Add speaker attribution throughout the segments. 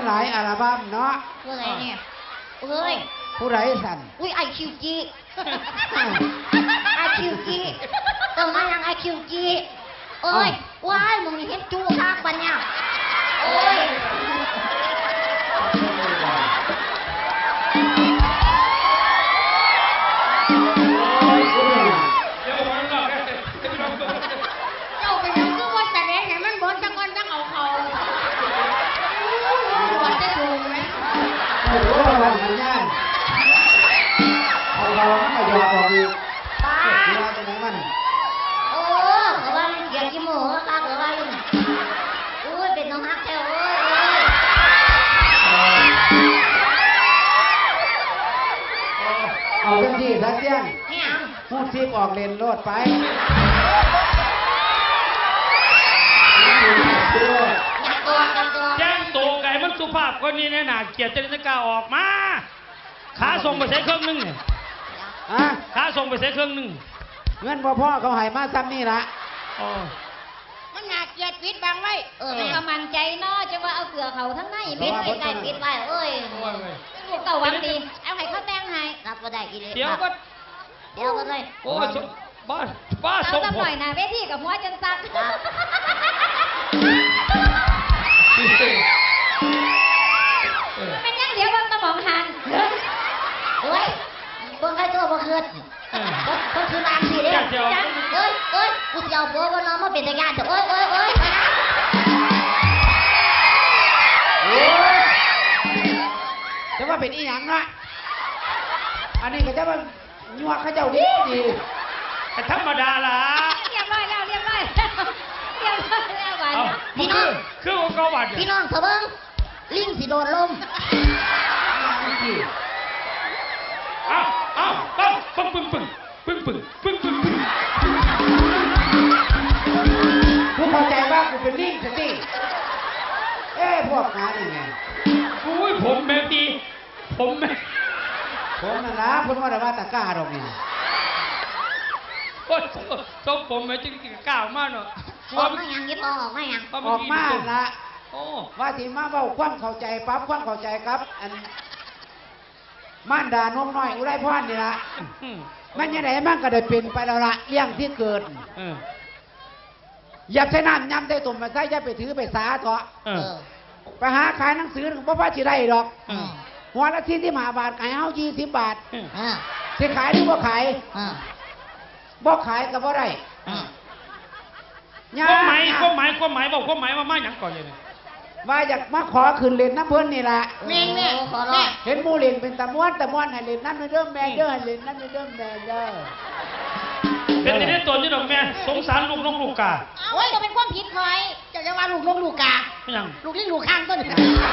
Speaker 1: หลายอัลบั้มเนาะ
Speaker 2: ผู้ใดเนี่ยเอ้ย
Speaker 1: ผู้ใดสั่น
Speaker 2: อุ้ยไอคิวจีไอคิวจีต้องมาอย่างไอคิวจีโอ้ยว้ายมึงเห็นจูข้างปัญญาโอ้ยเจ้าเป็นยังคือวันแต่เด็กเห็นมันบนจังวันจังเอาเขาวันจะดูไหม
Speaker 1: โอ้โหวันสัญญาณเอาเราไม่ยอมออกอีก
Speaker 2: ป้า
Speaker 1: เวลาตรงนั้น
Speaker 2: โอ้ก็ว่ามันเกียดกี่โมงก็ก็ว่าลุงอุ้ยเป็นน้องฮักแท้โอ้ย
Speaker 1: เอาเต็มที่สักเที่ยงพูดซีบออกเลนโลดไป
Speaker 3: แจ้งโตไก่มันสุภาพคนนี้แน่หนาเกียรติจริญกาออกมาขาส่งไปใส่เครื่องนึงเนี่ยขาส่งไปใส่เครื่องนึง
Speaker 1: เงินพ่อเขาให้มาซ้ำนี่ละ
Speaker 2: มันหนักเกียดปิดบังไว้มันก็มั่นใจเนาะจะว่าเอาเสือเขาทั้งในปิดไว้ใกล้ปิดไว้เอ้ยลูกเก่าหวังดีเอาให้เขาแต่งให้รับก็ได้กี่เลย
Speaker 3: เดี๋ยวก็
Speaker 2: เลย
Speaker 3: โอ้ยบ้า
Speaker 2: ส่งผมหน่อยนะเวทีกับหัวจนสั่นเป็นยังเดี๋ยวมันสมองหันเฮ้ยเบิ่งใครตัวบ่คืนก็คือรางสิเด้เอ้ยกูจะเอาบัวก็น้องมาเป็นตะการเอ้ย
Speaker 1: จะว่าเป็นอีหยังนะอันนี้ก็จะว่ายัวข้าเจ้าดี
Speaker 3: ธรรมดาล่ะ
Speaker 2: เรียบร้อยแล้ววัน
Speaker 3: พี่น้องคือองค์กรวัด
Speaker 2: พี่น้องเถอะเบิ่งลิงสิโดนลม
Speaker 3: เอาปึ้ง
Speaker 1: กูเข้าใจว่ากูเป็นลิงสิพวกงานนี่ไง
Speaker 3: อุ้ยผมแม่ดีผม
Speaker 1: นั่นนะพูดว่าแต่ว่าตะก้าดอกนี่
Speaker 3: โอ้ยส้มผมแม่จริงก้าวมากเนาะ
Speaker 2: ออกมาอย่างนี้ออกมาอย่าง
Speaker 1: ออกมาละว่าที่มาเว้าความเข้าใจปั๊บความเข้าใจครับอันม่านดานมน้อยอุไรพรนี่ละมันยังไงมันก็ได้เป็นไปแล้วละเลี้ยงที่เกิดอย่าใช้น้ำย้ำใช้ตุ่มมาใช้อย่าไปถือไปสาเถอะไปหาขายหนังสือหนึ่งเพราะว่าจะได้ดอกหัวละที่5 บาทขายเอา20 บาทจะขายหรือว่าขายบ่ขายก็บ่ได้
Speaker 3: ความหมายบอกความหมายว่ามาอย่างก่อนเลย
Speaker 1: ว่าอยากมาขอขึ้นเล่นน้ำเพิ่นนี่แหละ
Speaker 2: แม่
Speaker 1: เห็นมูเล่นเป็นตะม้วนให้เล่นน้ำในเดิมแม่เด้อให้เล่นน้ำในเดิมแม่เด้อ
Speaker 3: เป็นในตัวนี่ดอกแม่สงสารลูกน้องลูกกา
Speaker 2: โอ้ยจะเป็นความผิดหน่อยจะว่าลูกน้องลูกกา
Speaker 3: ไม่ยัง
Speaker 2: ลูกลิ้นลูกข้างต้น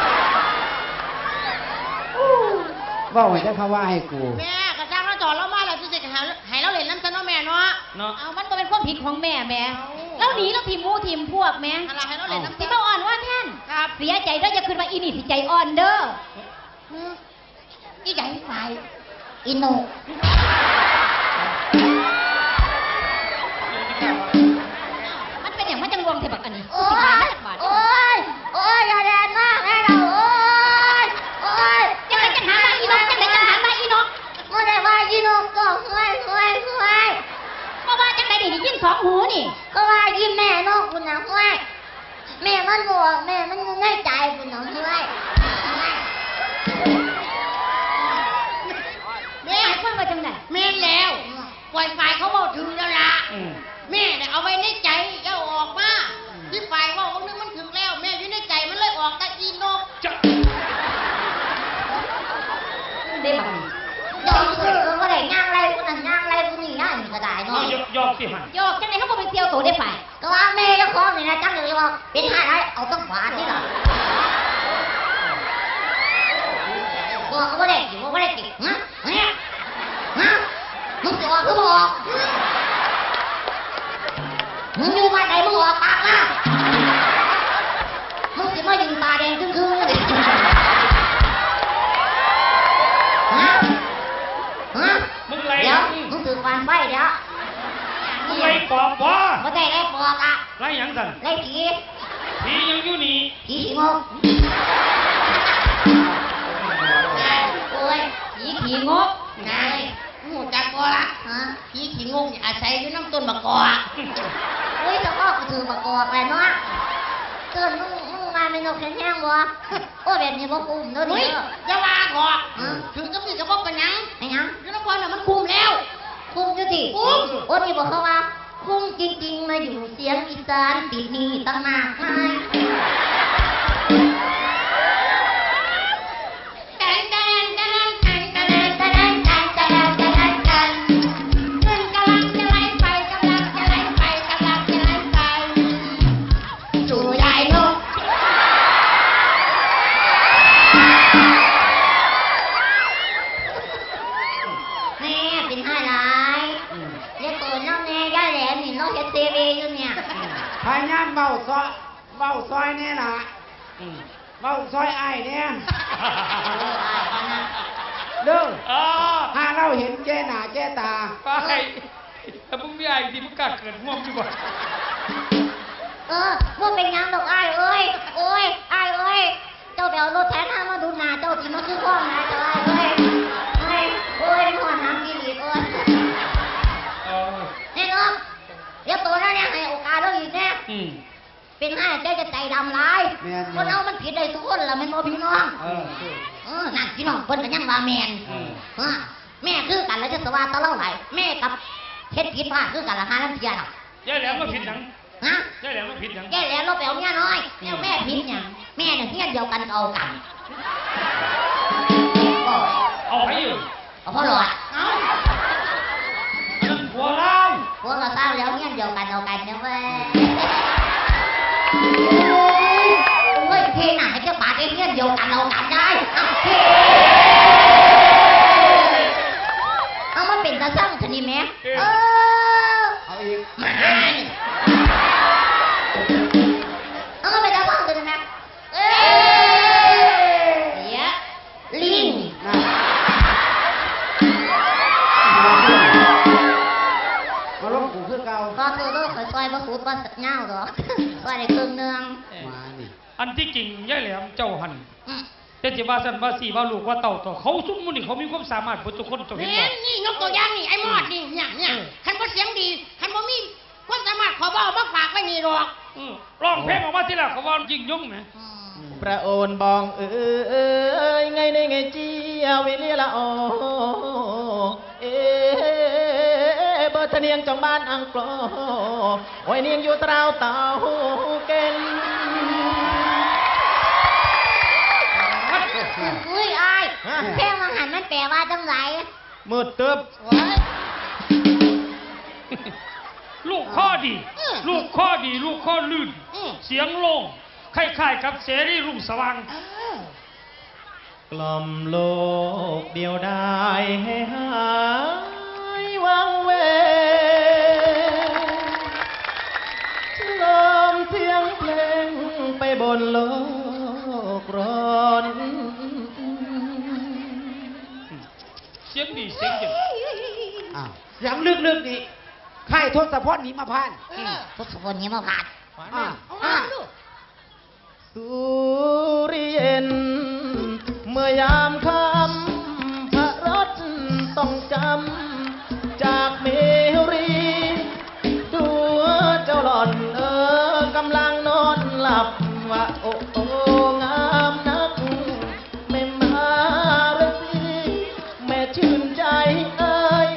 Speaker 1: ว่าไว้จะเขาว่าให้กู
Speaker 2: แม่กระจ้างเราจอดเรามาแล้วจะให้เราเล่นน้ำซะเนาะแม่เนาะเอามันก็เป็นความผิดของแม่แล้วหนีเราทีมมูทีมพวกแม่อะไรให้เราเล่นน้ำที่เราอ่อนว่าแท่นเสียใจด้วยจะคืนมาอีนี่สิใจอ่อนเด้ออีใหญ่ไฟอีโนมันเป็นอย่างมันจังรวมเทบักอันนี้โอ้ยอย่าแดนมากให้เราโอ้ยจังไรจังหามาอีนกไม่ได้ว่าอีนกก็ห่วยก็ว่าจังไรดิยิ้ม2 หูนี่ก็ว่ายิ้มแม่นกคุณนะห่วยแม่มันบอกแม่มันง่ายใจคุณนะห่วยแม่พูดว่าจังไรแม่แล้วปล่อยฝ่ายเขาบอกถึงแล้วล่ะแม่เนี่ยเอาไว้ในใจอย่าออกมาที่ฝ่ายว่านึงมันถึงแล้วแม่อยู่ในใจมันเลยออกตะอีนกได้ไหมยอกคือก็ได้ย่างไรกูนั่นย่างไรกูนี่ย่างก็ได้เนาะ
Speaker 3: ยอกสิฮะ
Speaker 2: ยอกจังไหนเขาบอกเป็นเซียวโตได้ฝ่ายก็ว่าแม่เจ้าของนี่นะจังเลยว่าเป็นห้าไรเอาต้องขวานนี่หรอบอกก็ไม่ได้จิ๋วไม่ได้จิ๋วฮะมึงจะออกก็บอกมึงอยู่มาไหนมึงออกปากมามึงจะมายิงตาแดงครึ่งเลย
Speaker 3: มึงไร
Speaker 2: เดี๋ยวมึงถือฟันไฟเดี๋ยว
Speaker 3: มึงไรปอบวะ
Speaker 2: ไม่ได้ไรปอบอ่ะ
Speaker 3: ไรยังสั่น
Speaker 2: ไรผี
Speaker 3: ยังอยู่นี่
Speaker 2: ผีงกผีขี้งก
Speaker 4: นายหูจักบ่ละ
Speaker 2: ฮะ
Speaker 4: ผีขี้งงนี่อาศัยอยู่น้ำต้นมะกอก
Speaker 2: เฮ้ยจะก็ถือมากอกเลยเนาะเตือนมึงมาเป็นนกแข็งแห้งบ่โอ้แบบนี้บ่คุ้มเด้อ
Speaker 4: เฮ้ย
Speaker 2: นี่เด้อ
Speaker 4: อย่าว่าขอก
Speaker 2: ฮะ
Speaker 4: ถึงกับนี่ก็บ่เป็นหยัง
Speaker 2: ไอ้หยัง
Speaker 4: อยู่น้ำพรน่ะมันคุมแล้ว
Speaker 2: คุ้มอยู่ติ
Speaker 4: คุ้ม
Speaker 2: โอ้นี่บอกเขาว่าคุ้มจริงๆมาอยู่เสียงอีสานปีนี้ตั้งมากมาย
Speaker 4: แตนแตนแตนแตนแตน
Speaker 2: ตะดันตะดันตะดันตะดันตะดัน
Speaker 4: เงินกำลังจะไหลไปกำลังจะไหลไปกำลังจะไหลไปจู่ยายนก
Speaker 2: แม่เป็นห้าหลายเรียกตัวน้องแน่ย่าแหลมนี่น้องเฮ็ดเซเวอยู่เนี่ย
Speaker 1: พายามเบาซอยแน่ล่ะเบาซอยอ้ายเนี่ยเด้อ
Speaker 3: อ๋อ
Speaker 1: ถ้าเราเห็นแก่หน้าแก่ตา
Speaker 3: ไปถ้ามึงมีอะไรที่มึงกล้าเกิดง่วงดีกว่า
Speaker 2: ว่าเป็นหยังดอกอ้ายเอ้ยโอ้ยอ้ายเอ้ยเจ้าไปเอารถแทนมาดูหน้าเจ้าที่มันคือข้องนะเจ้าอ้ายเอ้ยเอ้ยโอ้ยเป็นหัวน้ำกินอีกเอ้ย
Speaker 3: เออ
Speaker 2: แน่นอนเดี๋ยวตัวนั้นเนี่ยให้โอกาสเราอีกแน่
Speaker 3: อืม
Speaker 2: เป็นห้าเจ้าจะใจดำร้าย
Speaker 1: แม่น
Speaker 2: คนเอามันผิดได้ทุกคนละแม่นบ่พี่น้อง นั่นพี่น้องเพิ่นก็ยังว่าแม่นแม่คือกันแล้วจะสว่าตะเล่าไหลแม่กับเฮ็ดผิดพลาดคือกันละหาน้ำเทียนอ่ะ
Speaker 3: ยายแหลมมาผิดหยัง
Speaker 2: ฮะ
Speaker 3: ยายแหลมมาผิดหยัง
Speaker 2: แกแล้วเราไปเอาเมียน้อยแล้วแม่ผิดหยังแม่เนี่ยเฮียนเดียวกันเอากัน
Speaker 3: เอาไปอยู่
Speaker 2: เอาพ่อหลอด
Speaker 4: เอ้า
Speaker 3: อันนั้นหัวเรา
Speaker 2: พวกเราเศร้าแล้วเฮียนเดียวกันเอากันเนี่ยเว้ยเฮ้ยเพลงหนังให้เจ้าป่าเฮียนเดียวกันเอากันได้เอามาเป็นตาสั่งชนิดแม่
Speaker 1: เอาอีก
Speaker 4: มานี่
Speaker 2: เอามาเป็นตาสั่งชนิดแม่เดี๋ยวลิง
Speaker 1: นะมาลบกูคือเก่า
Speaker 2: ก็คือก็คอยซอยมาขูดมาเงาหรอกซอยได้ครึ่งนึง
Speaker 1: มานี่
Speaker 3: อันที่จริงยายแหลมเจ้าหันแต่จะว่าสันว่าสี่ว่าลูกว่าเต่าต่อเขาซุ่มมันนี่เขามีความสามารถบนทุกคนเจ้าเห็น
Speaker 4: นี่
Speaker 3: บ่
Speaker 4: นี่ยกตัวอย่างนี่ไอ้มอดนี่เนี่ยคันบ่เสียงดีคันบ่มีความสามารถขอบ่เอามาฝากไว้นี่หรอก
Speaker 3: ร้องเพลงออกมาทีละเขาว่ายิ่งยุ่งไหม
Speaker 5: ประโอนบองยไงในไงจีวิเลียละโอเบอร์ทะเนียงจองบ้านอังกลอโอ้ยเนียงอยู่ตราวเต่าเก่น
Speaker 2: อุ้ยอายเพลงมังหันมันแปลว่าจังไร
Speaker 5: มืดตึบ
Speaker 3: ลูกข้อดี ลูกข้อดี ลูกข้อลื่น เสียงโล่งคล้ายๆกับเสรีรุ่งสว่าง
Speaker 5: กล่อมโลกเดียวได้ให้หายวังเวลมเสียงเพลงไปบนโลกร้อน
Speaker 3: เสียงดีเสียงเย็น
Speaker 1: อ้าวเสียงลึกๆนี่ไข่ทศพลหนีมาพาน
Speaker 2: ทศพลนี้มาผ่าน
Speaker 1: อ่า
Speaker 4: เอามาดู
Speaker 5: สุริเย็นเมื่อยามค่ำพระรถต้องจำจากเมรีดูเจ้าหล่อนกำลังนอนหลับว่าโอ้โอ้งามนักแม่มาเรสีแม่ชื่นใจเอ้ย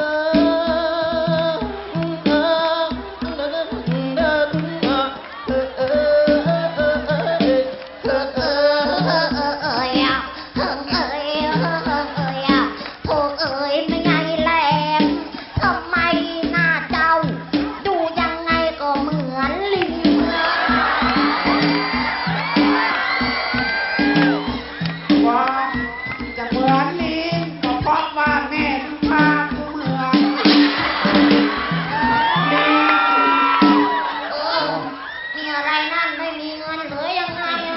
Speaker 1: ว่าจะเหมือนลิงก็เพราะว่าแม่พากูเหมือนลิง
Speaker 2: มีอะไรนั่นไม่มีเงินเหลือยังไงอะ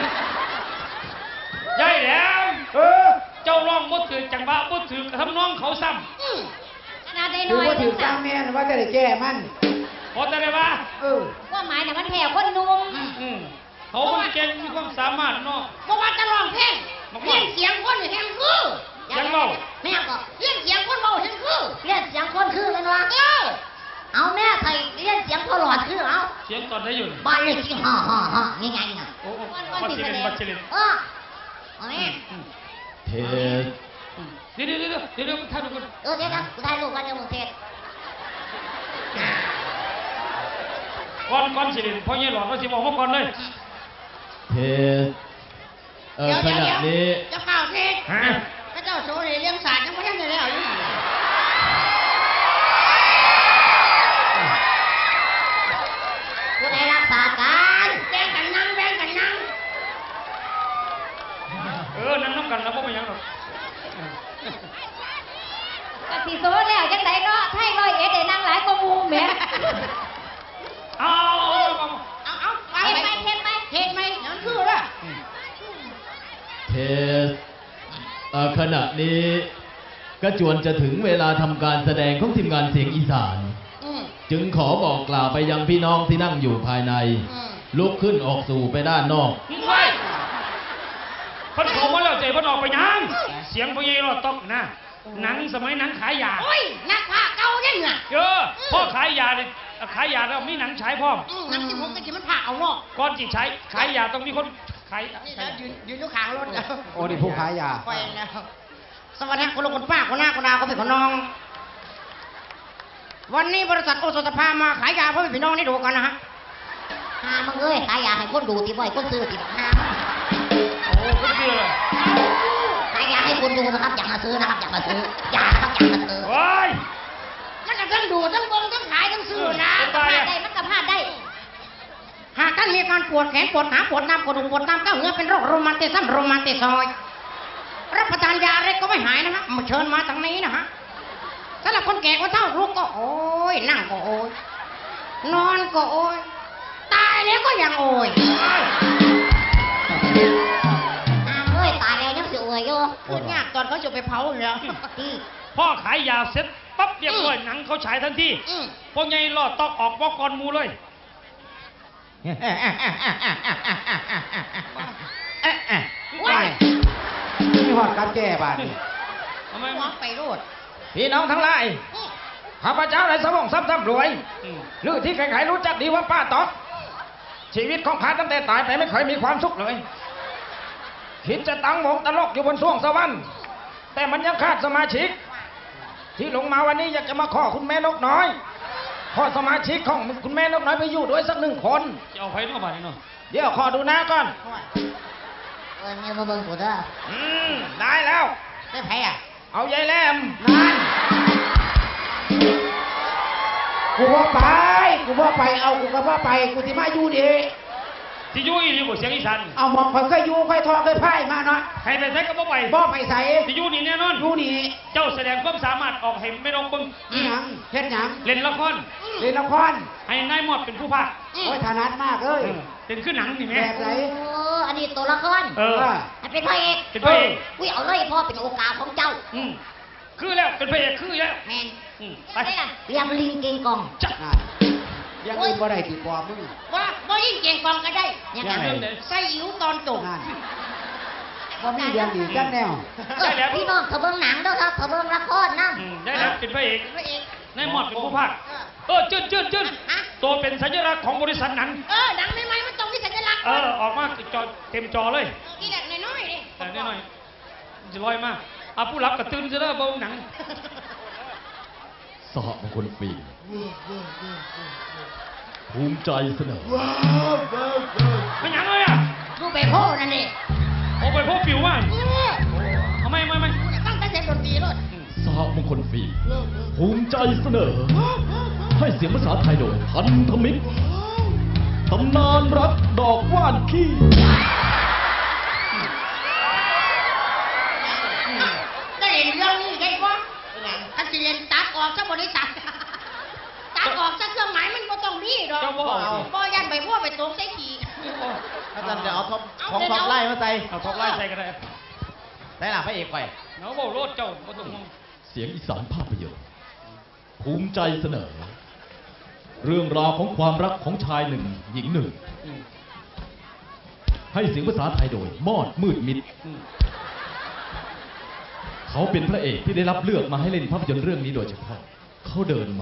Speaker 3: ยายแหลม
Speaker 1: เออ
Speaker 3: เจ้าร้องบ่ถือจังหวะบ่ถือทำน้องเขาซ้
Speaker 2: ขนาดได้
Speaker 1: หรื
Speaker 2: น้
Speaker 1: อ
Speaker 2: อย
Speaker 1: ว่าถือสร้างแม่นว่าจะได้แก้มัน
Speaker 3: ำพอจะได้ว่า
Speaker 1: เออ
Speaker 2: ว่าหมายเนี่ยมันแผ่คนหนุ่ม
Speaker 3: เขามันเก่งมีความสามารถเนาะ
Speaker 4: บ่ว่าจะร้องเพลงเลี้ยงเสียงคนนี่แฮงคือ
Speaker 2: บ
Speaker 3: ยังเบา
Speaker 2: แม่ก็
Speaker 4: เลี้ยงเสียงคนเบาเห็นคือ
Speaker 2: เรียนเสียงคนคือเป็นวะเอาแม่ไทยเรียนเสียงพอหลอดคือเอา
Speaker 3: เสียงตอนได้อยู่
Speaker 2: บ้านเลขที่ฮ่าง่ายๆนะ
Speaker 3: โอ้บัตรเชลินบัตรเชลิน
Speaker 2: เอาแม่
Speaker 5: เทส
Speaker 3: เดี๋ยวท่านดูก่อน
Speaker 2: เดี๋ยวนะกูได้ลูกวันเดียวมึงเทศ
Speaker 3: ก่อนเชลินพ่อเงี้ยหลอดก็สิบอกมาก่อนเลย
Speaker 5: เทสขณะนี้
Speaker 4: จะเปล่าเทศ
Speaker 3: ฮะ
Speaker 4: พระเจ้าโสเลยเลี้ยงสัตว์ยังไม่ทันจะแล้วอยู่
Speaker 2: กูได้รักษาการ
Speaker 4: แบ่งกันนั่งแบ่งกันนั่ง
Speaker 3: นั่งน้ำกันแล้วพ่อไม่ยังหรอก
Speaker 2: กะสิโซแล้วจังไดเนาะไทยร้อยเอ็ดได้นั่งหลายกว่าหมู่แหม่
Speaker 3: เอา
Speaker 4: เอาไปไปเทศไหมเทศไหมนั่นคือละ
Speaker 5: เทสขณะนี้ก็จวนจะถึงเวลาทำการแสดงของทีมงานเสียงอีสาน จึงขอบอกกล่าวไปยังพี่น้องที่นั่งอยู่ภายใน ลุกขึ้นออกสู่ไปด้านนอก
Speaker 3: ไปพันโผล่มาแล้วใจพันออกไปยังเสียงพ่อเงี้ยหลอดตกนะหนังสมัยหนังขายยา
Speaker 4: โอ้ยนักผ้าเก่าเนี่ยน่ะ
Speaker 3: พ่อขายยาเนี่ยขายยาแล้วมีหนังฉายพร้อม
Speaker 4: นักที่ผมก็จะมันผ้าเอาเนาะ
Speaker 3: ก่อนจีใช้ขายยาต้องมีคนขาย
Speaker 4: นี่แล้วยืนอยู่ข้างรถแล้ว
Speaker 1: โอ้นี่ผู้ขายยา
Speaker 4: ไปแล้วสวัสดีคุณลุงคุณป้าคุณน้าคุณอาคุณพี่คุณน้อง วันนี้บริษัทโอสถภามาขายยาเพื่อพี่น้องได้ดูกันนะฮะ
Speaker 2: หามึงเอ้ยขายยาให้คนดูติบ่อยคนซื้อติบักหา
Speaker 3: โอ้ก็เชื่อเลย
Speaker 2: ขายยาให้คนดูนะครับอย่ามาซื้อนะครับอย่ามาซื้อยานะครับอย่ามาซื้อ
Speaker 3: ว้าย
Speaker 4: มันจะทั้งดูทั้งเบิ่งทั้งขายทั้งซื้อนะ
Speaker 3: ไป
Speaker 2: พลาดได้มันก็พลาดได้
Speaker 4: หากท่านมีอาการปวดแขนปวดขาปวดน้ำปวดหัวปวดน้ำก้าวเหงื่อเป็นโรคโรมาติซัมโรมาติซอยด์รับประทานยาอะไรก็ไม่หายนะฮะมาเชิญมาทางนี้นะฮะสำหรับคนแก่คนเฒ่าลุกก็โอ้ยนั่งก็โอยนอนก็โอยตายแล้วก็ยังโอย
Speaker 2: เอ้ยตายแล้วยังสิอวยอยู่
Speaker 4: พูดยากตอนเขาจะไปเผาแล้ว
Speaker 2: ที่
Speaker 3: พ่อขายยาเสร็จปั๊บเรียบร้อยหนังเขาฉายทันทีพ่อไงรอดตอกออกบอกก่อนหมูเลย
Speaker 1: ว้ายมีหอดกับแก่บาดนี่
Speaker 3: ทำไม
Speaker 4: มองไปโรด
Speaker 6: พี่น้องทั้งหลาย ข้าพเจ้าในสมองทรัพย์รวยหรือที่ใครๆรู้จักดีว่าป้าต๊อกชีวิตของข้าตั้งแต่ตายไปไม่เคยมีความสุขเลย คิดจะตั้งวงตลกอยู่บนสวงสวรรค์แต่มันยังขาดสมาชิก ที่ลงมาวันนี้อยากจะมาขอคุณแม่นกน้อย ขอสมาชิกของคุณแม่นกน้อยไปอยู่ด้วยสัก1 คน
Speaker 3: จะเอาไฟนอกบ้านนี่เนาะ
Speaker 6: เดี๋ยวขอดูหน้าก่อน
Speaker 2: เนี่ยมาเบิ่งกูเด้อ
Speaker 6: ได้แล้ว
Speaker 4: ได้แพ้อะ
Speaker 6: เอายายแหลม
Speaker 1: นั่นกูบ่ไปกูบ่ไปเอากูก็บ่ไปกูสิมาอยู่ดี
Speaker 3: ที่อยู่อีนี่บ่เสียงอีสาน
Speaker 1: เอาหมองข่อยเคยอยู่ค่อยทอเคยพ่ายมาเนาะ
Speaker 3: ให้ไปใช้ก็บ่ไป
Speaker 1: บ่ไปใส่
Speaker 3: ที่อยู่นี่แน่นอน
Speaker 1: อยู่นี่
Speaker 3: เจ้าแสดงความสามารถออกให้ไม่ต้องเบิ่ง
Speaker 1: อีหยังเฮ็ดหยัง
Speaker 3: เล่นละคร
Speaker 1: เล่นละคร
Speaker 3: ให้นายหมอดเป็นผู้พากย์
Speaker 1: โอ้ยถนัดมากเลย
Speaker 3: เป็นขึ้นหนังนี่
Speaker 1: แบ
Speaker 3: แม่
Speaker 1: บไหน
Speaker 2: โอ้อันนี้ตัวละคร ให้เป็นพระเอก
Speaker 3: เป็นพระเอก
Speaker 2: อุ้ยเอาเลยพ่อเป็นโอกาสของเจ้า
Speaker 3: คือแล้วเป็นพระเอกคือแล้ว
Speaker 2: แมน
Speaker 3: ไป
Speaker 2: ไปล่ะเรียมลิงเก่งกอง
Speaker 3: จับ
Speaker 1: นั่นอยังอื่นบ่ได้ติดกว่ามึง
Speaker 4: ว่ายิ่งเก่งกองก็ได้
Speaker 2: ยังไง
Speaker 3: เรื่องไหน
Speaker 4: ใส่อิ๋วตอนจบ
Speaker 1: นั่นบ่มีเรื่องดีกันแนว
Speaker 3: ได้แล้ว
Speaker 2: พี่น้องเขาเบิ่งหนังเด้อครับเขาเบิ่งละครนะ
Speaker 3: ได้แล้วเป็นพระเอก
Speaker 4: พระเอก
Speaker 3: นายหมอดเป็นผู้พากย์จืดตัวเป็นสัญลักษณ์ของบริษัทหนัง
Speaker 4: หนังใหม่ๆมันต้องมีสัญลักษณ์
Speaker 3: ออกมาจอเต็มจอเลย
Speaker 4: นี่แหละน้อยๆนี่
Speaker 3: แต่นิดหน่อยจะลอยมากผู้รับกระตื่นจะได้เบาหนัง
Speaker 5: สหมงคลฟิล์มภูมิใจเสนอ
Speaker 3: ไม่หนังเลยอ่ะ
Speaker 4: ดูไปโพ่นั่นเอง
Speaker 3: โอ้ไปพวกปิวมากเอาไม่
Speaker 4: ตั้งแต่เสียงดนตรีเลย
Speaker 5: สหมงคลฟิล์มภูมิใจเสนอ ให้เสียงภาษาไทยโดยพันธมิตรตำนานรักดอกว่านขี้
Speaker 4: ได้เห็นเรื่องนี้ได้ปะถ้าสิเรียนตัดออกซะบริษัทตัดออกซะเครื่องหมายมันก็ต้องดีดอกบ่ยันไปพวกไปตกใส่ขี่
Speaker 5: อาจารย์จะเอาท็อปของท็อปไล่มาใส่
Speaker 3: เอาท็อปไล่ใส่ก็ได้
Speaker 5: ได้หล่ะพระเอกไป
Speaker 3: เนาะโลดเจ้าก็ต้อง
Speaker 5: เสียงอีสานภาพยนตร์ภูมิใจเสนอ เรื่องราวของความรักของชายหนึ่งหญิงหนึ่ง ให้เสียงภาษาไทยโดยมอดมืดมิดเขาเป็นพระเอกที่ได้รับเลือกมาให้เล่นภาพยนตร์เรื่องนี้โดยเฉพาะเขาเดิน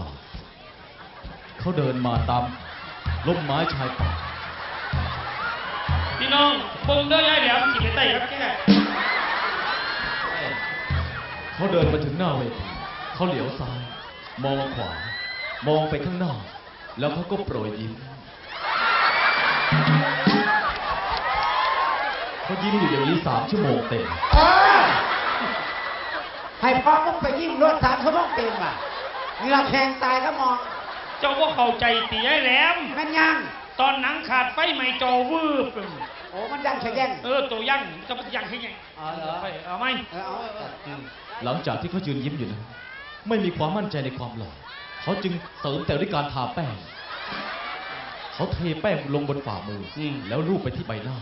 Speaker 5: มาตามร่มไม้ชายป่า
Speaker 3: พี่น้องเบิ่งเด้อยายแหลมสิไปไต่ครับแก
Speaker 5: เขาเดินมาถึงหน้าเวทีเขาเหลียวซ้ายมองขวามองไปข้างหน้าแล้วเขาก็โปรยยิ้มเขายิ้มอยู่อย่างนี้3 ชั่วโมงเต็ม
Speaker 1: ให้พ่อมึงไปยิ้มรถ3 ชั่วโมงเต็มอ่ะเหงื่อแข็งตายก็มอง
Speaker 3: เจ้าบ่เข้าใจติยายแหลม
Speaker 1: แม่นยัง
Speaker 3: ตอนหนังขาดไฟไหม้จอวืบ
Speaker 1: โอ้มันยังแข็ง
Speaker 3: ตัวยั่งจะมันยั่งให้ไง
Speaker 1: อ๋อเหรอ
Speaker 3: ไปเอาไหม
Speaker 5: หลังจากที่เขายืนยิ้มอยู่นั้นไม่มีความมั่นใจในความหล่อเขาจึงเสริมแต่ด้วยการทาแป้งเขาเทแป้งลงบนฝ่ามือแล้วลูบไปที่ใบหน้า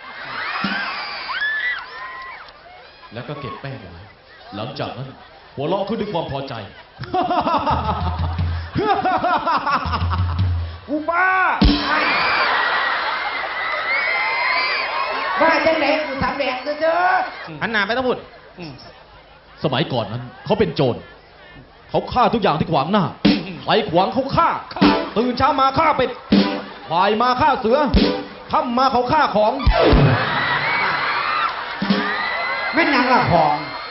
Speaker 5: แล้วก็เก็บแป้งไว้หลังจากนั้นหัวเราะขึ้นด้วยความพอใจ
Speaker 1: กูบ้าบ้าจังไหนกูสามแดงเจอ
Speaker 5: หันหน้าไปต้องพูดสมัยก่อนนั้นเขาเป็นโจรเขาฆ่าทุกอย่างที่ขวางหน้าใครขวางเขาฆ่าตื่นเช้ามาฆ่าเป็ดบ่ายมาฆ่าเสือค่ำมาเขาฆ่าของ
Speaker 1: แม่นยังละของ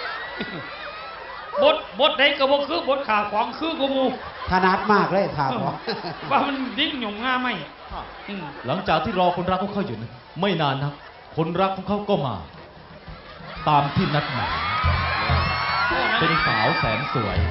Speaker 3: บทใดก็บ่คือบทขาของคือกูมู
Speaker 1: ถนัดมากเลยถามของ
Speaker 3: ว่ามันดิ้งหยงง่าไหม
Speaker 5: หลังจากที่รอคนรักของเขาอยู่นั้นไม่นานนักคนรักของเขาก็มา ตามที่นัดหมายเป็นสาวแสนสวย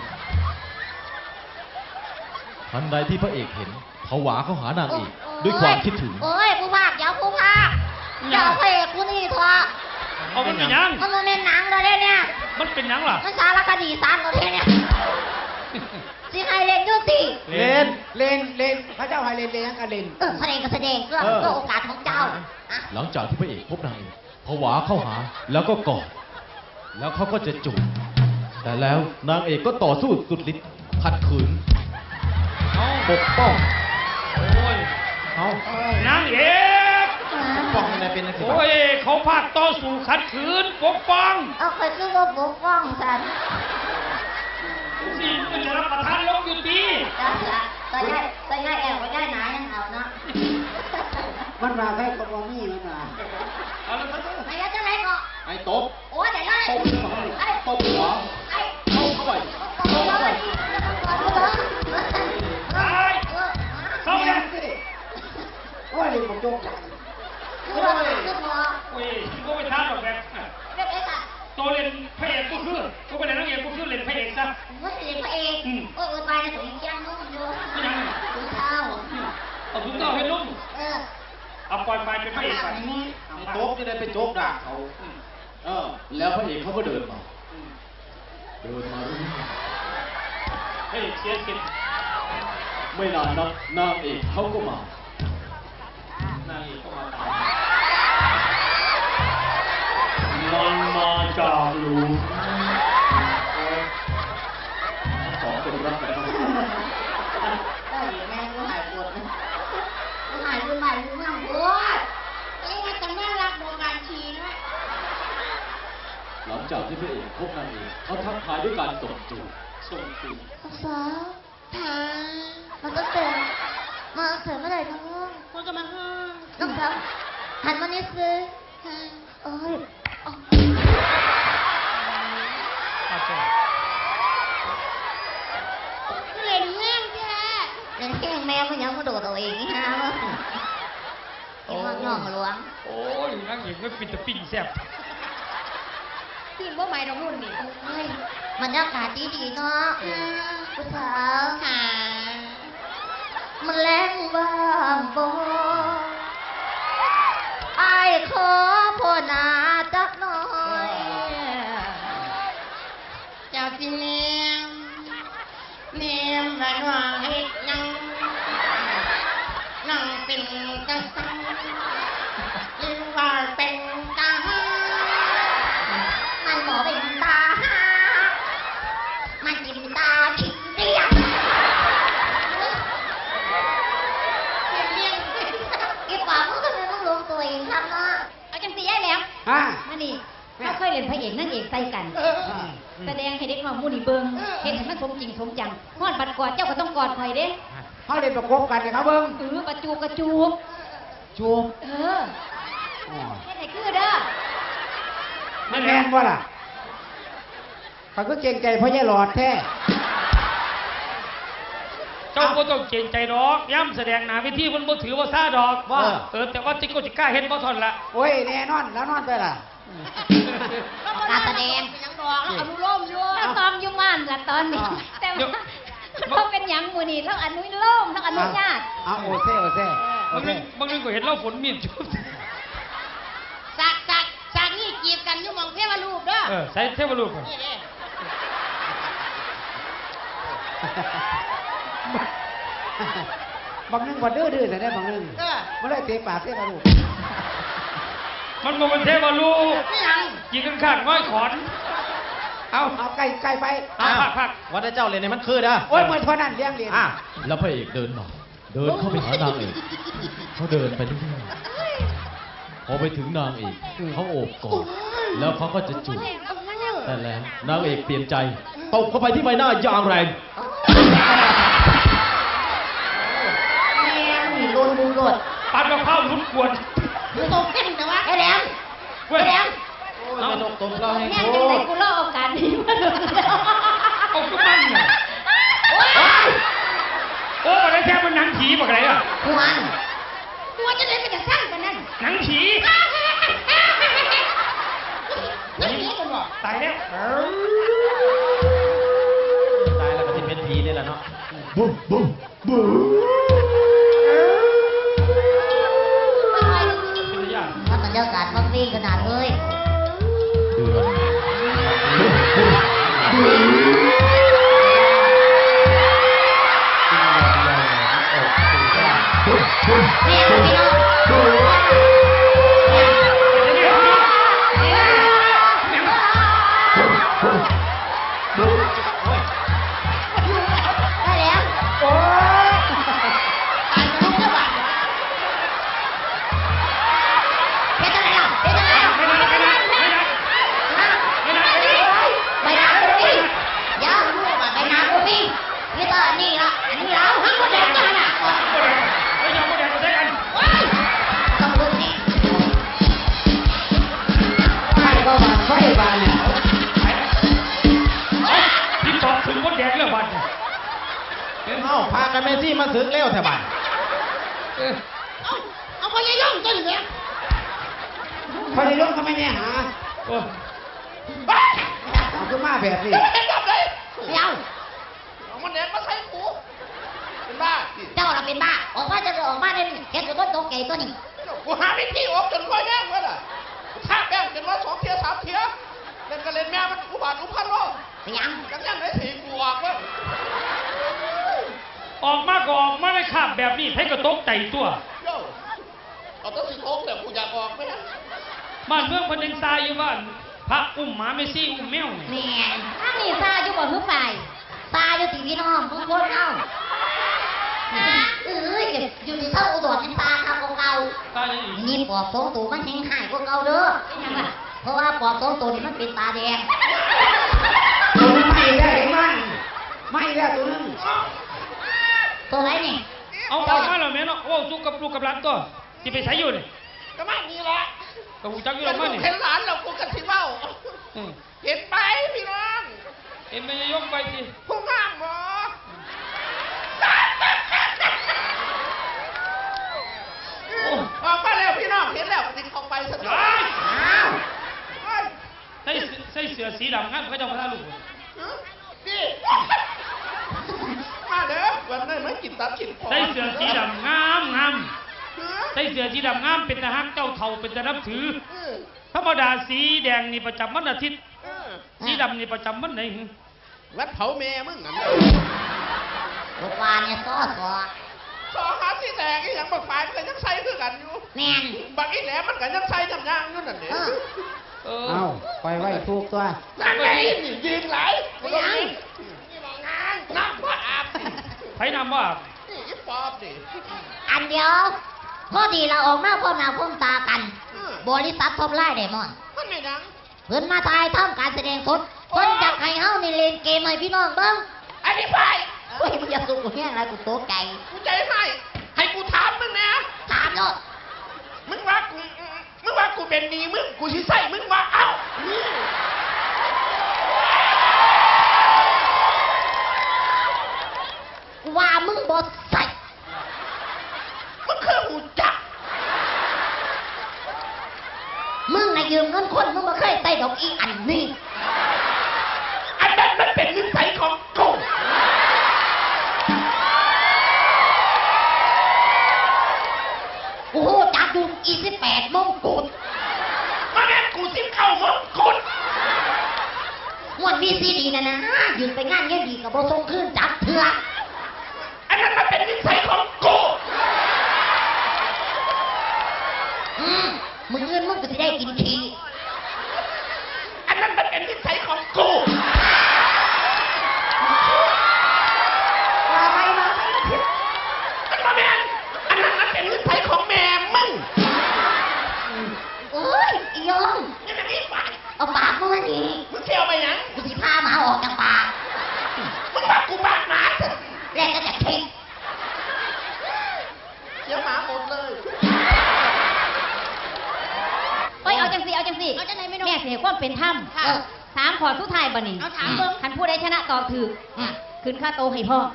Speaker 5: ทันใดที่พระเอกเห็นผวาเข้าหานางเอกด้วยความคิดถึง
Speaker 2: โอ้ยผู้ภาคอย่าผู้ภาคอย่าพระเอกกูนี่เถอะ
Speaker 3: เอามันเป็นหยัง
Speaker 2: มันเป็นหนังเลยเนี่ย
Speaker 3: มันเป็นหยังล่ะ
Speaker 2: มันสารคดีสารเลยเนี่ยสิใครเล่นดูสิ
Speaker 1: เล่นพระเจ้าให้เล่นยังกันเล่น
Speaker 2: แสดงก็แสดงเพื่อโอกาสของเจ้า
Speaker 5: หลังจากที่พระเอกพบนางเอกผวาเข้าหาแล้วก็กอดแล้วเขาก็จะจูบแต่แล้วนางเอกก็ต่อสู้สุดฤทธิ์ขัดขืนปกป้อง
Speaker 3: โอ้ย
Speaker 5: เอา
Speaker 3: นางเอก
Speaker 5: ปกป้องอะไรเป็นอะไร
Speaker 3: โอ้ยเขาพากต่อสู้ขัดขืนปกป้อง
Speaker 2: เอาใครคือว่าปกป้องฉัน
Speaker 3: สิมันจะรับประทานลงอยู่ดี
Speaker 2: แต่ย่าแอบก็ย่าหนายังเอาเนาะ
Speaker 1: มันมาใกล้กับว่ามีมันมา
Speaker 3: เอาละครับ
Speaker 2: ไม่แล้วจะไหนก็
Speaker 5: ไอ้ตบ
Speaker 2: โอ้ยแต่ย่า
Speaker 5: ตบตบหัว
Speaker 2: ไอ้
Speaker 5: เข้าเข้าไป
Speaker 2: เข้าไป
Speaker 3: ตายเข้า
Speaker 1: เมี
Speaker 3: เนี่ย ย
Speaker 1: สิโอ้ยนี่ผมโจกจัง
Speaker 2: คือว่าคือพอ
Speaker 3: โอ้ยก็ไปท้าดอกแบบ
Speaker 2: เรียกไอ้สัตว์
Speaker 3: ตัวเล่นพระเอกก็คือก็ไปเล่นนางเอกก็คือเล่นพระเอกซะ
Speaker 2: ว่าสิพระเอกโอ้ยตายในถุงยางนุ่มอยู่
Speaker 3: ไม่ยัง
Speaker 2: ถุงเท้า
Speaker 3: เอาถุงเท้าให้นุ่ม เอาปล่อยไปเป็นพระเอกไป
Speaker 5: ไอ้ตบจะได้ไปโจกด่าเขาแล้วพระเอกเขาก็เดินมาเรื่อย
Speaker 3: พระเอกเสียสิทธิ์
Speaker 5: ไม่นานนักนางเอกเขาก็มา
Speaker 3: นางเอกก็มาตามมันมาจากหลุม
Speaker 5: สองคนรักกัน
Speaker 2: ได้แม่กูหายปวดเลยกูหายกูใหม่กูนั่งปวดเอ้ยมันจะไม่รักโบราณชีนะ
Speaker 5: หลังจากที่พระเอกพบนางเอกเขาทักทายด้วยการส่งจูบ
Speaker 3: ส่งจูบ
Speaker 2: สาวทางมันก็เต็มมาเสริมเมื่อไหร่น้องมันก็มาห้างน้องสาวหันมานิดสิโอ้ย เล่นแม่งแกเล่นแข้งแม่มันยังมาโดดตัวเองฮะมั้งยังมาย่องหลวง
Speaker 3: โอ้ยนางเอกไม่ปิดตะปิ่งแซ่บ
Speaker 2: ปีนว่าใหม่ตรงนู้นนี่มันอากาศดีๆเนาะผู้สาวค่ะมันแรงบ้างบ่ไอ้ขอพ่อนาจักหน่อยเจ้าสิเนียมแม่นว่าเฮ็ดยังนั่งเป็นกระสังหรือว่าเป็นตามันบอกเป็นตามันกินตาผิดเรียงอีปากมันก็ไม่ต้องลงตัวเองครับเนาะเอาจังสีได้แล้ว
Speaker 1: ฮะ
Speaker 2: มานี่
Speaker 1: แม่
Speaker 2: เคยเล่นพระเอกนางเอกใส่กัน แสดงให้เด็กน้องมูนี่เบิ่งเห็นให้มันสมจริงสมจังฮอดบัดกอดเจ้าก็ต้องกอดข่อยเด้
Speaker 1: เขาเล่นประกบกันเนี่ยครับเบิ้ง
Speaker 2: กระจูบกระจูบ
Speaker 1: จูบ
Speaker 2: เฮ็ดให้คือเด้อ
Speaker 1: มันแมนบ่ล่ะเขาก็เก่งใจเพราะยายหลอดแท้
Speaker 3: เจ้าก็ต้องเกรงใจดอกย่ำแสดงหนาเวทีมันบ่ถือว่าซาดอกว่าแต่ว่าจิกโกจิก้าเฮ็ดบ่ทนละ
Speaker 1: โอ้ยแน่นอนแล้วนอนไปล่ะ
Speaker 2: การแสดงยังดอกแล้วอนุโลมอยู่แล้วซ้อมอยู่ม่านล่ะตอนนี้แต่ว่าเราเป็นหยังมื้อนี้เราอนุโลมเราอนุญาต
Speaker 1: เอาโอเซ่โอเซ่โอบ
Speaker 3: าง
Speaker 1: เซ่
Speaker 3: บางเรื่องก็เห็นเราฝนมีดจุบ
Speaker 4: สักนี่จีบกันอยู่หมองเทวรูปเด้อ
Speaker 3: ใส่เทวรูปก่อน
Speaker 4: นี่เด้
Speaker 1: บางนึงบ่ดื้อแต่ได้บางนึงมันเลยเตะปากเตะมาลูก
Speaker 3: มันบ่เป็นเทวรูป
Speaker 4: นี่ยัง
Speaker 3: ยิงกันข้างน้อยขอน
Speaker 1: เอาไกลไป
Speaker 3: พัก
Speaker 5: วันนี้เจ้าเรียนในมันคือนะ
Speaker 1: โอ้ยเหมือนเท่านั้นเลี้ยงเรียน
Speaker 5: แล้วพระเอกเดินมาเดินเข้าไปหานางเอกเขาเดินไปเรื่อยๆพอไปถึงนางเอกเขาโอบกอดแล้วเขาก็จะจูบแต่แล้วนางเอกเปลี่ยนใจตบเข้าไปที่ใบหน้าอย่างแรง
Speaker 2: แม่นี่โดนบูโดด
Speaker 3: ปัดมะพร้าวลุ้นกวน
Speaker 4: ดูตกเส้นแต่ว่า
Speaker 2: ไอ้แหลม
Speaker 3: เว้ย
Speaker 2: ไอ้แหลม
Speaker 5: ไม่ตกตบเราให้
Speaker 2: แม่
Speaker 5: โค
Speaker 2: จังได
Speaker 5: ตร
Speaker 2: กูเล่าโอกาสนี้มาดู
Speaker 3: เอาขึ้นมาเนี่ยโอ้มันได้แค่มันหนังผีบอกอะไรอ่ะ
Speaker 2: ควรตัวจะได้เป็นจะสร้างกันนั่น
Speaker 3: หนังผี
Speaker 4: นั่นนี่กันบ่
Speaker 3: ตายแล้ว
Speaker 5: ตายแล้วก็ที่เป็นผีนี่แหละเนาะ
Speaker 3: เป็นยาก
Speaker 2: มันบรรยากาศมันดีขนาดเลย
Speaker 5: เดือน
Speaker 2: แม่พี่น้องได้แล้ว
Speaker 1: โอ้ย
Speaker 4: ตายจะลุกได้บ่
Speaker 2: เพชรอะไรล่ะเพชรอะไรล่ะ
Speaker 3: ไม่ได้ไม่ได้ไม่ได้ไม่ได้
Speaker 2: ใบหน้ากูพี่ยาวใบหน้ากูพี่นี่ก็นี่ละอันนี้แล้วทั้งหมดแล้วกันน่ะ
Speaker 3: ไม่ยอมไม่แดงก็ใช้กัน
Speaker 2: ต้องรู้นี่
Speaker 1: ไฟก็บานไฟบานเนี่ย
Speaker 3: ที่ตอบถึงมดแดงเรื่องบัตร
Speaker 5: เอ้าพากันเมซี่มาถึงเร็วแถวบ้าน
Speaker 4: เอาไปยังย่องตัวนี้เนี่ย
Speaker 1: พอได้ลงทำไมเนี่ยหา
Speaker 3: โอ้
Speaker 1: เอาขึ้นมาแบบนี้
Speaker 4: เห็นแบบไหน
Speaker 2: เดี๋ยว
Speaker 4: เอามันเด็ดมาใส่หูเป็นบ้า
Speaker 2: เจ้าเราเป็นบ้าออกมาจะออกมาเนี่ยเห็นตัวต้นตกไก่ตัวนี้
Speaker 4: กูหาวิธีออกจนว่าแย่งเลยล่ะถ้าแป้งจนว่า2 เที่ย 3 เที่ยเล่นก็เล่นแม่มันอุบาทอุพันโล
Speaker 2: ไปยัง
Speaker 4: ยังไหนถีกูออกเว้ย
Speaker 3: ออกมาก็ออกมาได้ขาบแบบนี้ให้กระตกใจตัว
Speaker 4: โย่เอาตัวสิโค้งแต่กูอยากออกไหม
Speaker 3: บ้านเมืองพันยังทรายอยู่บ้านพระอุ้มหมาเมซี่อุ้มแมวเนี่ย
Speaker 2: แม่ถ้ามีซาอยู่บ่หื้อฝ่ายซาอยู่ที่พี่น้องทุกคนเอาอยู่ที่เท่าอุดรเป็นตาคำเก่า
Speaker 3: ตายยังอีก
Speaker 2: นี่ปอบสองตัวมันแห้งหายกว่าเก่าเด้อเพราะว่าปอบสองตัวนี่มันเป็นตาแดง
Speaker 1: ตัวนึงไม่ได้เห็นมันไม่ได้ตัวนึง
Speaker 2: ตัวไหนนี่
Speaker 3: เอามาแล้วแม่เนาะโอ้จุกกับลูกกับหลานตัวที่ไปใช้อยู่นี่
Speaker 4: ก็ไม่มีละ
Speaker 3: กับหูจักอยู่แล้วมั้งนี่
Speaker 4: เห็นหลานเรากูกันที่เบ้าเห็นไปพี่น้อง
Speaker 3: เห็นไหมยกไปสิ
Speaker 4: ผู้งามหมอออกมาแล้วพี่น้องเห็นแล้วติดออกไปสักหน่อย
Speaker 2: อ้าว
Speaker 3: ใส่เสื้อสีดำงั้นเขาจะมาท่าลูก
Speaker 4: นี่มาเด้อวันนี้ไม่กินตับกินคอ
Speaker 3: ใส่เสื้อสีดำงามงามใส่เสื้อสีดำงามเป็นทหารเจ้าเท่าเป็นทหารนับถือ ธรรมดาสีแดงนี่ประจำวันอาทิตย์สีดำนี่ประจำวันไหน
Speaker 4: วัดเผาแม่มึงนั่น
Speaker 2: ลูกวาเนี่ยซ้อ
Speaker 4: สอหาที่แดงอีหยังบักฝ่ายมันก็ยังใส่คือกันอยู่
Speaker 2: แม่น
Speaker 4: บักอีแหลมมันก็ยังใส่ยำยางอยู่นั่นเอง
Speaker 1: เอาไปไว้ถูกตัว
Speaker 4: นั่นไงนี่ยิงไหลไม่ยังนี่บอกงานน้ำว่าอาบนี่
Speaker 3: ไผ่นำว่า
Speaker 4: นี่อีปอบนี่
Speaker 2: อันเดียวพอดีเราออกมาพร้อมหน้าพร้อมตากัน บริษัททบไล่เดมอน
Speaker 4: มันไม่ดัง
Speaker 2: เพิ่นมาถ่ายทำการแสดงสดเพิ่นอยากให้เฮานี่เล่นเกมให้พี่น้องเบิ่ง
Speaker 7: อันนี้ไป
Speaker 2: เฮ้ยมึงอย่าสู้กูแห้งไรกูโตใจ
Speaker 7: กูใจให้กูถามมึงนะ
Speaker 2: ถามโลด
Speaker 7: มึงว่ากูเป็นหนี้มึงกูสิใส่มึงว่าเอ้านี่
Speaker 2: กูว่ามึงบ่ใส่
Speaker 7: มึงคือหูจัก
Speaker 2: มึงน่ะยืมเงินคนมึงบ่เคยใส่ดอกอีอันนี้
Speaker 7: อันนั้นมันเป็นนิสัยของกู
Speaker 2: กูโหจักอยู่อี18มงกุฎ
Speaker 7: มาแม่นกูสิเข้ามงกุฎ
Speaker 2: งวดมีซีดีนะนะยืมไปงานเงี้ยดีกับบ่ส่งคืนจักเถื่อ
Speaker 7: อันนั้นมันเป็นนิสัยของกู
Speaker 2: มึงเงินมึงก็สิได้กินที
Speaker 7: อันนั้นมันเป็นนิสัยของกู
Speaker 2: ว่าไปมา
Speaker 7: มันมาแม่นอันนั้นมันเป็นนิสัยของแม่มึง
Speaker 2: โอ้ยอียง
Speaker 7: นี่มันนี่ปาก
Speaker 2: เอาปากมึงมานี่
Speaker 7: มึงเที่ยวไปยัง
Speaker 2: กูสิพาหมาออกจากปาก
Speaker 7: มึงว่ากูบ้าหมาเถอะ
Speaker 2: แรกก็จะคิด
Speaker 7: เที่ยวหมาหมดเลย
Speaker 2: เอ้ยเอาจังสิเอาจังสิแม่เสียความเป็นธรรมถามขอสุดท้ายบ่นี่เอาถามเบิ่งคันผู้ใดชนะตอบถูกขึ้นค่าโตให้พ่อ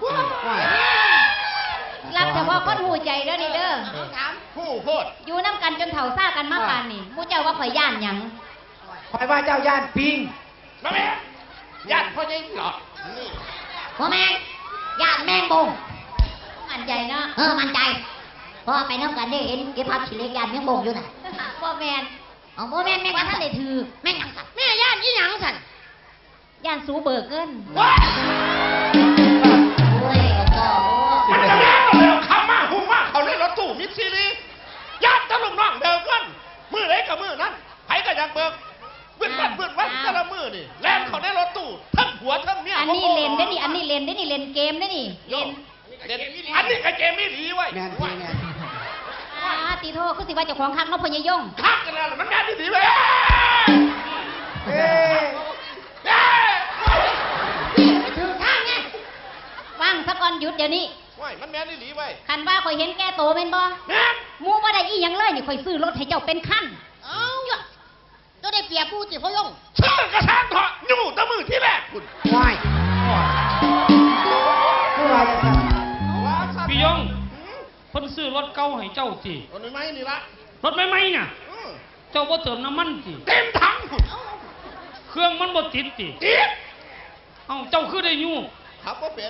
Speaker 2: รับเฉพาะคนหูใจเด้อนี่เด้อ
Speaker 7: ผู้โพด
Speaker 2: อยู่น้ำกันจนเฒ่าซ่ากันมาปานนี่หมู่เจ้าว่าข่อยย่านหยัง
Speaker 1: คอยว่าเจ้าย่านปิง
Speaker 7: มาแม่ญาติพ่อใหญ่หลอดนี่
Speaker 2: พ่อแม่งย่านแมงบงมั่นใจเนาะมั่นใจพอไปน้ำกันได้เห็นเก็บภาพสิเล็กย่านแมงบงอยู่น่ะพ่อแม่นเอาพ่อแม่นแม่งท่านได้ถือแม่งหยังสั่นแม่ย่านอีหยังสั่นย่านสูเบิกเงิน
Speaker 7: ว้า
Speaker 2: โอ้ยก็
Speaker 7: มันจะแม่เราเลยคำมากหุ่มมากเขาเลยรถตู้มิดซีรีญาติตะลุงน้องเดิมกันมือไหนกับมือนั้นไผก็อยากเบิกเวื่อนวันแต่ละมือนี่แล่นเขาได้รถตู้ทั้งหัวทั้งเมีย
Speaker 2: อันนี้เล่นได้นี่อันนี้เล่นได้นี่เล่นเกมได้นี่เล่น
Speaker 7: อันนี้ก็เจมี่หลีไว้
Speaker 1: แม่นทีแม่น
Speaker 2: ตีโทคือสิว่าเจ้าของคักเนาะพ่อยายง
Speaker 7: คักกันแล้วมันงานที่ดีไว้
Speaker 1: เอ้ย
Speaker 2: ถือทางไงฟังสักก่อนหยุดเดี๋ยวนี้
Speaker 7: ว้ายมันแม่นี่หลีไว้
Speaker 2: คันว่าข่อยเห็นแก่โตแม่นบ่
Speaker 7: แม่
Speaker 2: หมูบ่ได้อีหยังเลยนี่ข่อยซื้อรถให้เจ้าเป็นคันเอ้าเจ้าได้เปรียบผู้สิพ่อยง
Speaker 7: ชื่อกระชากเถาะอยู่แตะมือที่แรกคุณ
Speaker 1: ว้ายผู้ว่าจะท
Speaker 7: ว้าครับ
Speaker 3: พี่ยงเพิ่นซื้อรถเก่าให้เจ้าสิ
Speaker 7: รถไม่นี่ละ
Speaker 3: รถใหม่ๆน่ะ เจ้าบ่เติมน้ำมันสิ
Speaker 7: เต็มถังคุณ
Speaker 3: เครื่องมันบ่ติดสิ
Speaker 7: จี๊ด
Speaker 3: เอ้าเจ้าคือได้อยู่
Speaker 7: ขับว่าเป็น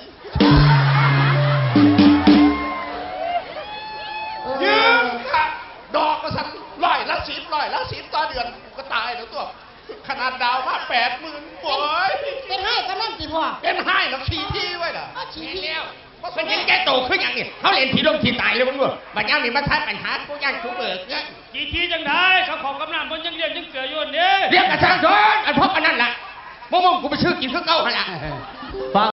Speaker 2: ำ
Speaker 7: ยืมค่ะดอกกระสัน100 ละ 10ต่อเดือนกูก็ตายแล้วตัว ขนาดดาวมา80,000โอ้ย
Speaker 2: เป็นให้ก็นั่นสิพ่อ
Speaker 7: เป็นให้แล้วขี่ที่ไว้ล่ะ
Speaker 2: ชี้แล้ว
Speaker 7: มันเห็นแกโตขึ้นอย่างนี้เขาเล่นผีลงผีตายเลยมึงดูบัดนี้มีมาทัดปัญหาผู้ย่างผู้เบิกเนี่ย
Speaker 3: กี่ทีจังได้เขาของกำนันเพิ่นยังเรียนยังเกลืออยู่อันนี้
Speaker 7: เรียกกระช่างทนอันพบอันนั้นล่ะมึงกูไปชื่อกินข้าวเก่าหันละ
Speaker 1: ำ